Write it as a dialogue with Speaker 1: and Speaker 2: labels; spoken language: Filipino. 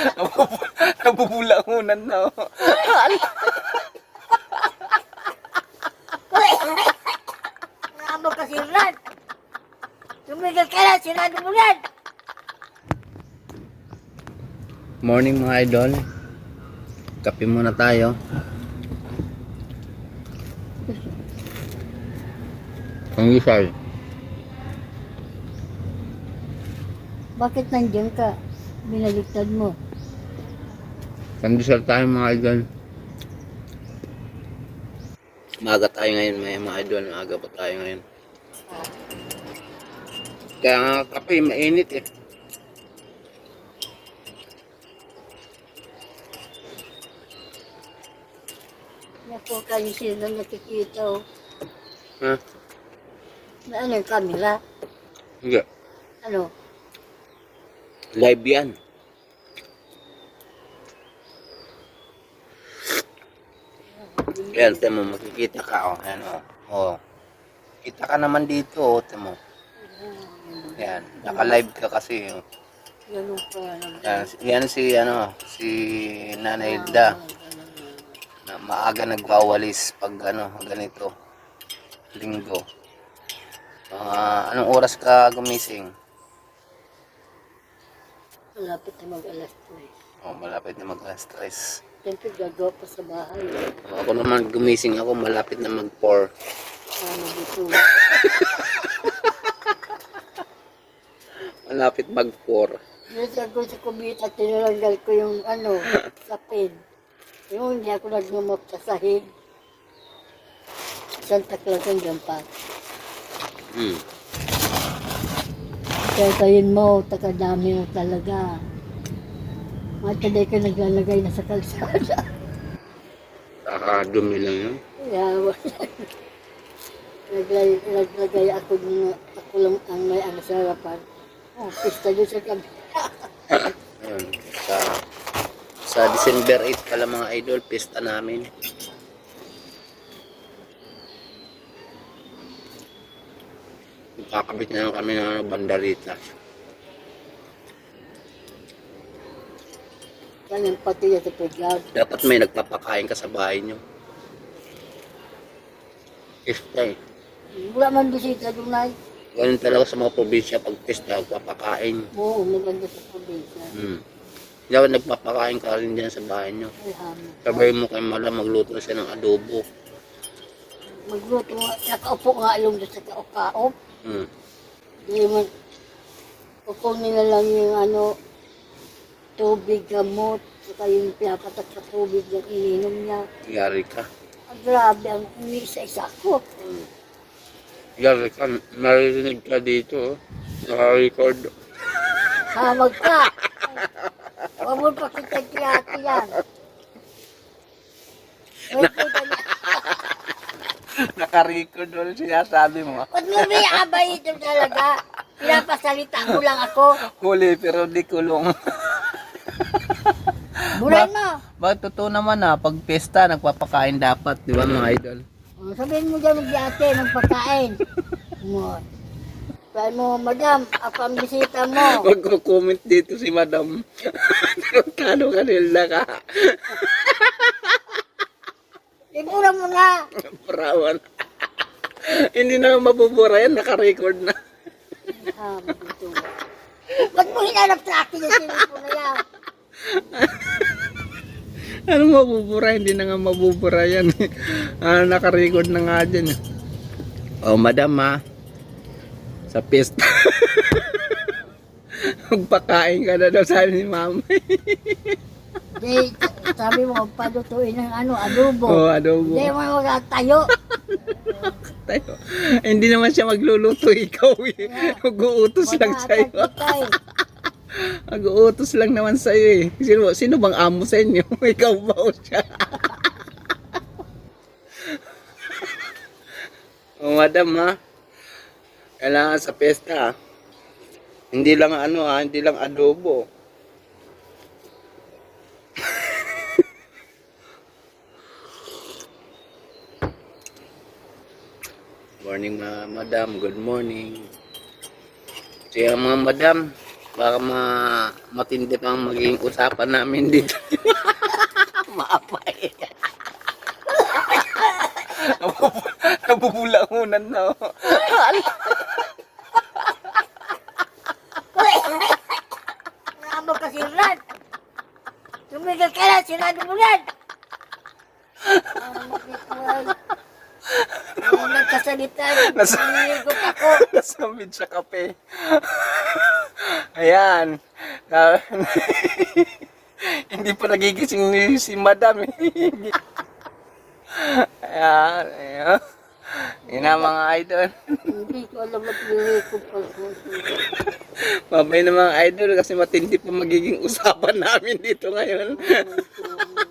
Speaker 1: Nabubulakunan na. Oh.
Speaker 2: Naamo kasi yan. Tumigil ka lang, sinado mo yan.
Speaker 1: Morning mga idol. Kape muna tayo. Pangisay.
Speaker 2: Bakit nandiyan ka? Binaliktad mo.
Speaker 1: Pandesal tayo mga idol. Maaga tayo ngayon mga idol. Maaga pa tayo ngayon. Kaya nga kape, mainit eh.
Speaker 2: Naku, kayo sila nakikita oh.
Speaker 1: Ha?
Speaker 2: Na ano yung camera?
Speaker 1: Hindi.
Speaker 2: Ano?
Speaker 1: Live yan. Yan, temo, makikita ka. Oh. Yan, oh. Oh. Kita ka naman dito, oh, temo. Yan, naka-live ka kasi. Oh.
Speaker 2: Ganun pa naman.
Speaker 1: Yan si, si Nanay Da. Na maaga nagwawalis pag ganito. Linggo. Anong oras ka gumising?
Speaker 2: Malapit na mag-alas 3.
Speaker 1: Oh, malapit na mag-alas 3.
Speaker 2: Siyempre gagawa pa sa bahay.
Speaker 1: Ako naman gumising ako, malapit na mag-4.
Speaker 2: Ano dito?
Speaker 1: Malapit mag-4.
Speaker 2: Minsan ko sa kumita, tinalanggal ko yung sa pen. Yung hindi ako nagmamap sa sahig. Santa Claus ang gampat. Kaya tayin mo, takadami mo talaga. Mataday ka naglalagay na sa kalsada.
Speaker 1: Nakakadumi lang yun.
Speaker 2: Kaya naglagay ako lang ang may sa harapan. Oh, pista doon sa gabi.
Speaker 1: Ayun, sa December 8 pala mga idol, pista namin. Kakabit na lang kami ng bandarita.
Speaker 2: Yan yung pati niya sa playground.
Speaker 1: Dapat may nagpapakain ka sa bahay nyo. Pista eh.
Speaker 2: Wala man bisita doon na.
Speaker 1: Ganun talaga sa mga probinsya pag pista, nagpapakain.
Speaker 2: Oo, maganda sa probinsya.
Speaker 1: Dapat nagpapakain ka rin dyan sa bahay nyo.
Speaker 2: Alhamdulillah.
Speaker 1: Sabay mo kay Mala, magluto siya ng adobo.
Speaker 2: Magluto nga, nakaupo nga along doon sa kaukaop. Di man, kukunin na lang yung tubig, gamot, saka yung pinapatak sa tubig yung ininom niya.
Speaker 1: Yari ka.
Speaker 2: Grabe, ang isa-isa ko.
Speaker 1: Yari ka, narinig ka dito. Naka-record.
Speaker 2: Hamag ka! Huwag mo pa kita kiyati yan. Wait,
Speaker 1: Naka-record ulit sinasabi mo.
Speaker 2: ba't mo may abay ito talaga? Pinapasalita ko lang ako.
Speaker 1: Huli pero di kulong.
Speaker 2: Bulay mo.
Speaker 1: Bakit totoo naman pag pesta, nagpapakain dapat, di ba mga idol?
Speaker 2: Sabihin mo dyan mag-ate, magpakain. Sabihin mo, madam, ako ang bisita mo.
Speaker 1: Magko-comment dito si madam. Tarantado ka nila ka.
Speaker 2: Ibura mo na.
Speaker 1: Parawan. Hindi na mabubura yan, naka-record na.
Speaker 2: Ba't mo hinanap sa akin yung sinipo na yan?
Speaker 1: Anong mabubura? Hindi na nga mabubura yan. Naka-record na nga dyan. Oh, madam sa pista. Magpakain ka na daw, sabi ni mama.
Speaker 2: Di, sabi mo, palutuin ng adobo.
Speaker 1: Oh, adobo.
Speaker 2: Di mo magtayo.
Speaker 1: Tayo. Hindi naman siya magluluto, ikaw eh. Mag-uutos lang sa'yo. Mag-uutos lang naman sa'yo eh. Sino bang amo sa inyo? Ikaw ba o siya? Oh, madam kailangan sa pesta Hindi lang hindi lang adobo. Morning madam, good morning. Kaya mga madam, Baka matindi pang maging usapan namin dito. Maapay. Nabubulahunan na.
Speaker 2: Ano ka siran? Tumigil ka na, sirado mo yan! Nagkasalita, niligot ako.
Speaker 1: Nasamid sa kape. Ayan. Hindi pa nagigising ni si Madam. Ayan. Ayan. Yun na mga idol.
Speaker 2: Hindi ko alam at nilikot pa.
Speaker 1: Mamay na mga idol kasi matindi pa magiging usapan namin dito ngayon.